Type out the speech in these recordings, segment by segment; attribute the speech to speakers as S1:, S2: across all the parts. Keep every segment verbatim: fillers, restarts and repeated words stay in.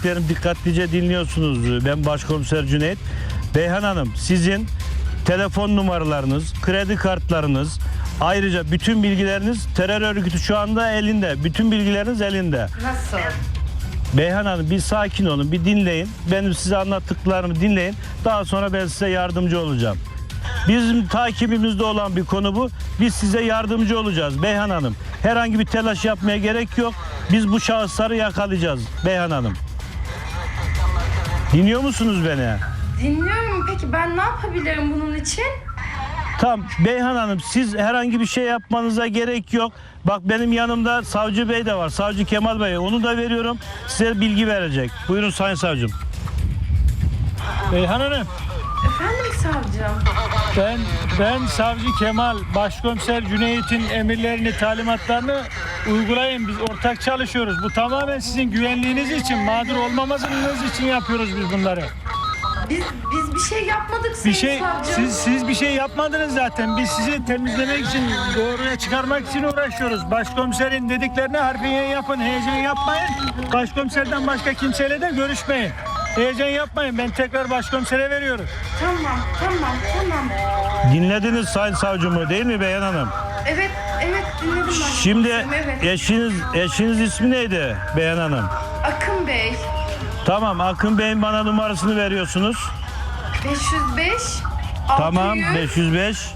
S1: söylediklerimi dikkatlice dinliyorsunuz. Ben Başkomiser Cüneyt. Beyhan Hanım, sizin telefon numaralarınız, kredi kartlarınız, ayrıca bütün bilgileriniz terör örgütü şu anda elinde. Bütün bilgileriniz elinde.
S2: Nasıl?
S1: Beyhan Hanım, bir sakin olun, bir dinleyin. Benim size anlattıklarımı dinleyin. Daha sonra ben size yardımcı olacağım. Bizim takibimizde olan bir konu bu. Biz size yardımcı olacağız Beyhan Hanım. Herhangi bir telaş yapmaya gerek yok. Biz bu şahısları yakalayacağız Beyhan Hanım. Dinliyor musunuz beni?
S2: Dinliyorum. Peki ben ne yapabilirim bunun için?
S1: Tamam Beyhan Hanım, siz herhangi bir şey yapmanıza gerek yok. Bak benim yanımda Savcı Bey de var. Savcı Kemal Bey. Onu da veriyorum. Size bilgi verecek. Buyurun Sayın Savcım.
S3: Beyhan Hanım,
S2: Efendim savcım?
S3: ben ben Savcı Kemal, Başkomiser Cüneyt'in emirlerini, talimatlarını uygulayın. Biz ortak çalışıyoruz. Bu tamamen sizin güvenliğiniz için, mağdur olmamanız için yapıyoruz biz bunları.
S2: Biz biz bir şey yapmadık
S3: Bir
S2: sayın
S3: şey,
S2: savcım.
S3: siz siz bir şey yapmadınız zaten. Biz sizi temizlemek için, doğruya çıkarmak için uğraşıyoruz. Başkomiserin dediklerine harfiyen yapın, heyecan yapmayın. Başkomiserden başka kimseyle de görüşmeyin. Heyecan yapmayın. Ben tekrar başkomisere veriyorum.
S2: Tamam, tamam, tamam.
S1: Dinlediniz Sayın Savcımı değil mi Beyhan Hanım?
S2: Evet, evet dinledim ben.
S1: Şimdi
S2: Evet.
S1: eşiniz eşiniz ismi neydi Beyhan Hanım?
S2: Akın Bey.
S1: Tamam, Akın Bey'in bana numarasını veriyorsunuz.
S2: beş yüz beş.
S1: Tamam,
S2: altı yüz.
S1: beş yüz beş.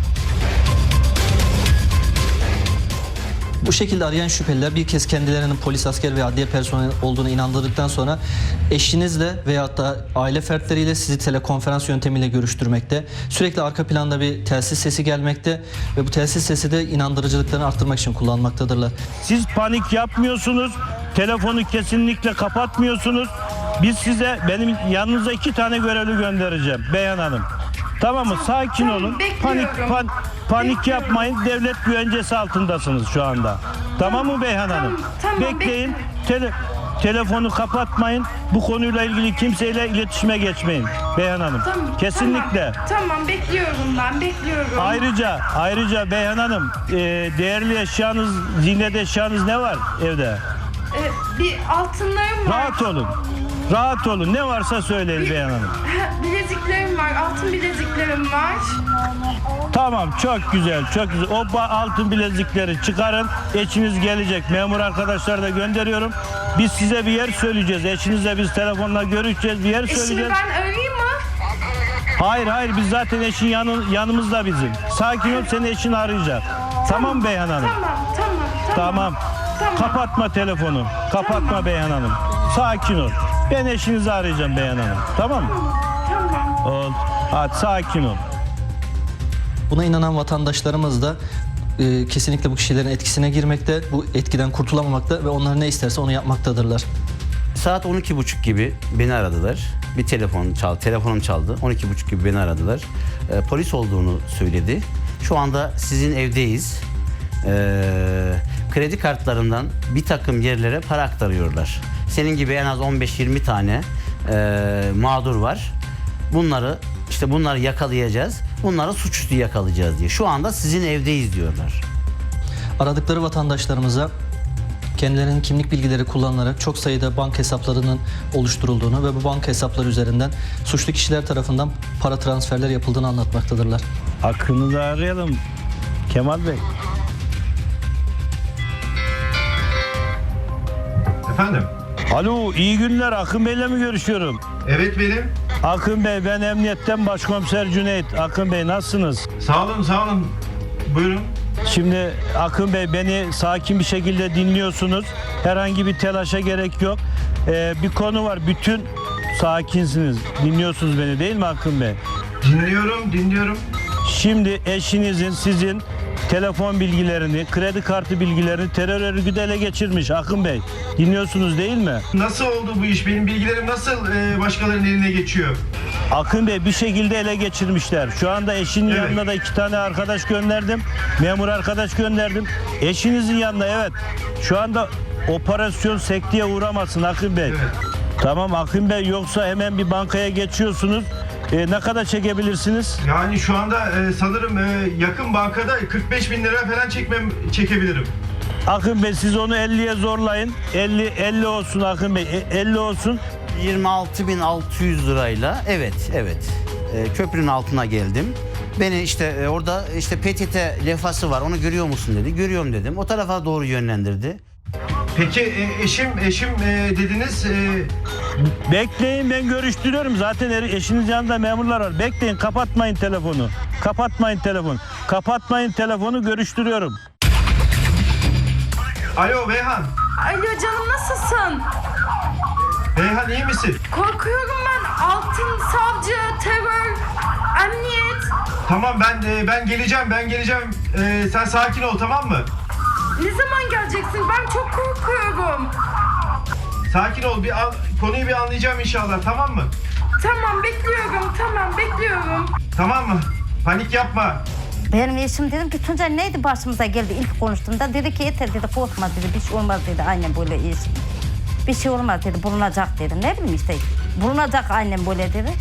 S4: Bu şekilde arayan şüpheliler bir kez kendilerinin polis, asker ve adliye personeli olduğunu inandırdıktan sonra eşinizle veyahut da aile fertleriyle sizi telekonferans yöntemiyle görüştürmekte. Sürekli arka planda bir telsiz sesi gelmekte ve bu telsiz sesi de inandırıcılıklarını arttırmak için kullanmaktadırlar.
S1: Siz panik yapmıyorsunuz. Telefonu kesinlikle kapatmıyorsunuz. Biz size, benim yanınıza iki tane görevli göndereceğim Beyhan Hanım. Tamam mı? Sakin
S2: tamam,
S1: olun.
S2: bekliyorum.
S1: Panik pan, panik
S2: Bekliyorum.
S1: yapmayın. Devlet güvencesi altındasınız şu anda. Tamam mı Beyhan
S2: tamam,
S1: Hanım?
S2: tamam,
S1: Bekleyin. Tele, telefonu kapatmayın. Bu konuyla ilgili kimseyle iletişime geçmeyin Beyhan Hanım.
S2: Tamam,
S1: Kesinlikle.
S2: Tamam, tamam, bekliyorum ben, bekliyorum.
S1: Ayrıca ayrıca Beyhan Hanım, e, değerli eşyanız, ziynet eşyanız ne var evde?
S2: Ee, bir altınlarım var.
S1: Rahat olun. Rahat olun. Ne varsa söyleyin Beyhan Hanım.
S2: Bileziklerim var, altın bileziklerim var.
S1: Tamam, çok güzel, çok güzel. O ba- altın bilezikleri çıkarın. Eşiniz gelecek. Memur arkadaşlar da gönderiyorum. Biz size bir yer söyleyeceğiz. Eşinizle biz telefonla görüşeceğiz. Bir yer
S2: Eşimi
S1: söyleyeceğiz.
S2: ben arayayım mı?
S1: Hayır, hayır. Biz zaten eşin yanı, yanımızda bizim. Sakin ol, seni eşin arayacak. Tamam Beyhan Hanım.
S2: Tamam, tamam, tamam.
S1: Tamam.
S2: Tamam.
S1: Kapatma telefonu. Kapatma
S2: Tamam.
S1: Beyhan Hanım. Sakin ol. Ben eşinizi arayacağım Beyhan Hanım. Tamam mı?
S2: Tamam.
S1: Ol. Hadi sakin ol.
S4: Buna inanan vatandaşlarımız da e, kesinlikle bu kişilerin etkisine girmekte, bu etkiden kurtulamamakta ve onlar ne isterse onu yapmaktadırlar.
S5: Saat on iki buçuk gibi beni aradılar. Bir telefon çaldı, telefonum çaldı. on iki buçuk gibi beni aradılar. Ee, polis olduğunu söyledi. Şu anda sizin evdeyiz. Ee, kredi kartlarından bir takım yerlere para aktarıyorlar. Senin gibi en az on beş yirmi tane e, mağdur var. Bunları işte bunları yakalayacağız. Bunları suçüstü yakalayacağız diye. Şu anda sizin evdeyiz diyorlar.
S4: Aradıkları vatandaşlarımıza kendilerinin kimlik bilgileri kullanılarak çok sayıda banka hesaplarının oluşturulduğunu ve bu banka hesapları üzerinden suçlu kişiler tarafından para transferler yapıldığını anlatmaktadırlar.
S1: Akın'ı da arayalım. Kemal Bey.
S6: Efendim?
S1: Alo, iyi günler. Akın Bey'le mi görüşüyorum?
S6: Evet benim.
S1: Akın Bey, ben emniyetten Başkomiser Cüneyt. Akın Bey, nasılsınız?
S6: Sağ olun, sağ olun. Buyurun.
S1: Şimdi Akın Bey, beni sakin bir şekilde dinliyorsunuz. Herhangi bir telaşa gerek yok. Ee, bir konu var. Bütün sakinsiniz. Dinliyorsunuz beni değil mi Akın Bey?
S6: Dinliyorum, dinliyorum.
S1: Şimdi eşinizin, sizin telefon bilgilerini, kredi kartı bilgilerini terör örgütü ele geçirmiş Akın Bey. Dinliyorsunuz değil mi?
S6: Nasıl oldu bu iş? Benim bilgilerim nasıl e, başkalarının eline geçiyor?
S1: Akın Bey, bir şekilde ele geçirmişler. Şu anda eşinin
S6: Evet.
S1: yanına da iki tane arkadaş gönderdim. Memur arkadaş gönderdim. Eşinizin yanına, evet. Şu anda operasyon sekteye uğramasın Akın Bey.
S6: Evet.
S1: Tamam Akın Bey, yoksa hemen bir bankaya geçiyorsunuz. E, ne kadar çekebilirsiniz?
S6: Yani şu anda e, sanırım e, yakın bankada kırk beş bin lira falan çekmem çekebilirim.
S1: Akın Bey siz onu elliye zorlayın. elli elli olsun Akın Bey. e- elli olsun.
S5: yirmi altı bin altı yüz lirayla evet evet e, köprünün altına geldim. Beni işte e, orada işte P T T levhası var, onu görüyor musun dedi. Görüyorum dedim. O tarafa doğru yönlendirdi.
S6: Peki e, eşim eşim e, dediniz. E,
S1: Bekleyin, ben görüştürüyorum. Zaten er- eşiniz yanında memurlar var. Bekleyin, kapatmayın telefonu. Kapatmayın telefonu. Kapatmayın telefonu, görüştürüyorum.
S6: Alo Beyhan.
S2: Alo canım, nasılsın?
S6: Beyhan iyi misin?
S2: Korkuyorum ben. Altın, savcı, terör, emniyet.
S6: Tamam ben e, ben geleceğim ben geleceğim. E, sen sakin ol, tamam mı?
S2: Ne zaman geleceksin? Ben çok korkuyorum.
S6: Sakin ol, bir an- konuyu bir anlayacağım inşallah, tamam mı?
S2: Tamam, bekliyorum. Tamam, bekliyorum.
S6: Tamam mı? Panik yapma.
S7: Benim eşim dedim ki Tuncay neydi başımıza geldi ilk konuştuğumda dedi ki yeter dedi korkma dedi bir şey olmaz dedi annem böyle eşim. Bir şey olmaz dedi bulunacak dedi ne bileyim işte bulunacak annem böyle dedi.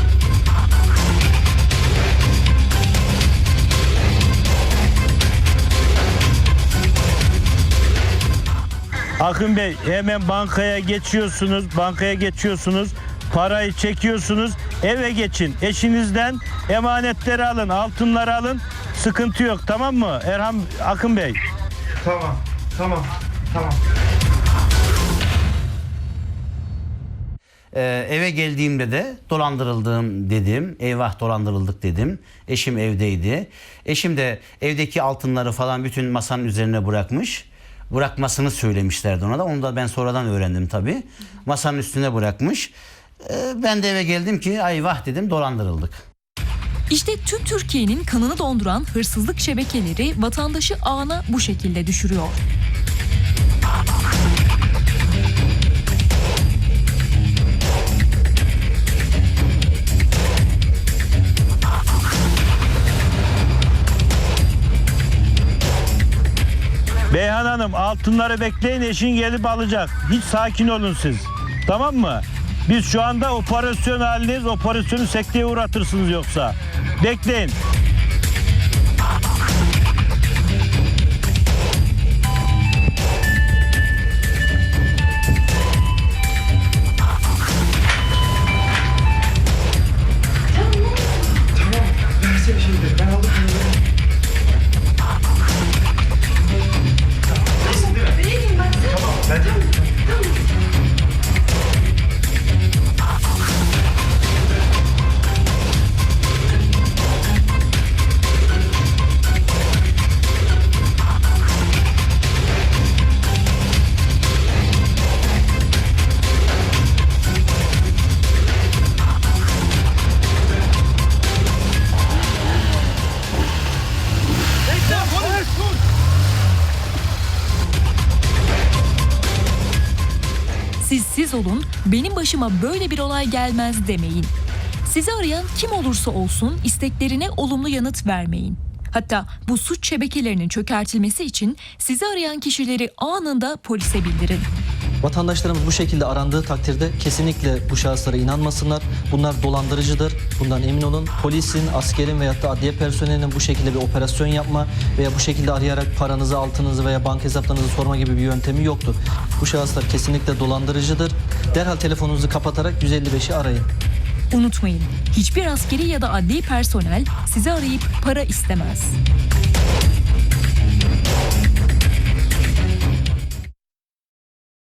S1: Akın Bey, hemen bankaya geçiyorsunuz. Bankaya geçiyorsunuz. Parayı çekiyorsunuz. Eve geçin. Eşinizden emanetleri alın, altınları alın. Sıkıntı yok, tamam mı? Erhan Akın Bey.
S6: Tamam tamam tamam.
S5: Ee, eve geldiğimde de dolandırıldım dedim. Eyvah dolandırıldık dedim. Eşim evdeydi. Eşim de evdeki altınları falan bütün masanın üzerine bırakmış. Bırakmasını söylemişlerdi ona da. Onu da ben sonradan öğrendim tabii. Masanın üstüne bırakmış. Ee, ben de eve geldim ki eyvah dedim, dolandırıldık.
S8: İşte tüm Türkiye'nin kanını donduran hırsızlık şebekeleri vatandaşı ağına bu şekilde düşürüyor.
S1: Beyhan Hanım, altınları bekleyin, eşin gelip alacak. Hiç sakin olun siz. Tamam mı? Biz şu anda operasyon halindeyiz. Operasyonu sekteye uğratırsınız yoksa. Bekleyin.
S6: Tamam, versene şimdi, ben aldım bunu. İyisin değil mi?
S2: Vereyim ben sana.
S6: Tamam, ben de.
S8: Siz siz olun, benim başıma böyle bir olay gelmez demeyin. Sizi arayan kim olursa olsun isteklerine olumlu yanıt vermeyin. Hatta bu suç şebekelerinin çökertilmesi için sizi arayan kişileri anında polise bildirin.
S4: Vatandaşlarımız bu şekilde arandığı takdirde kesinlikle bu şahıslara inanmasınlar. Bunlar dolandırıcıdır. Bundan emin olun. Polisin, askerin veyahut da adliye personelinin bu şekilde bir operasyon yapma veya bu şekilde arayarak paranızı, altınızı veya banka hesaplarınızı sorma gibi bir yöntemi yoktur. Bu şahıslar kesinlikle dolandırıcıdır. Derhal telefonunuzu kapatarak yüz elli beşi arayın.
S8: Unutmayın, hiçbir askeri ya da adli personel sizi arayıp para istemez.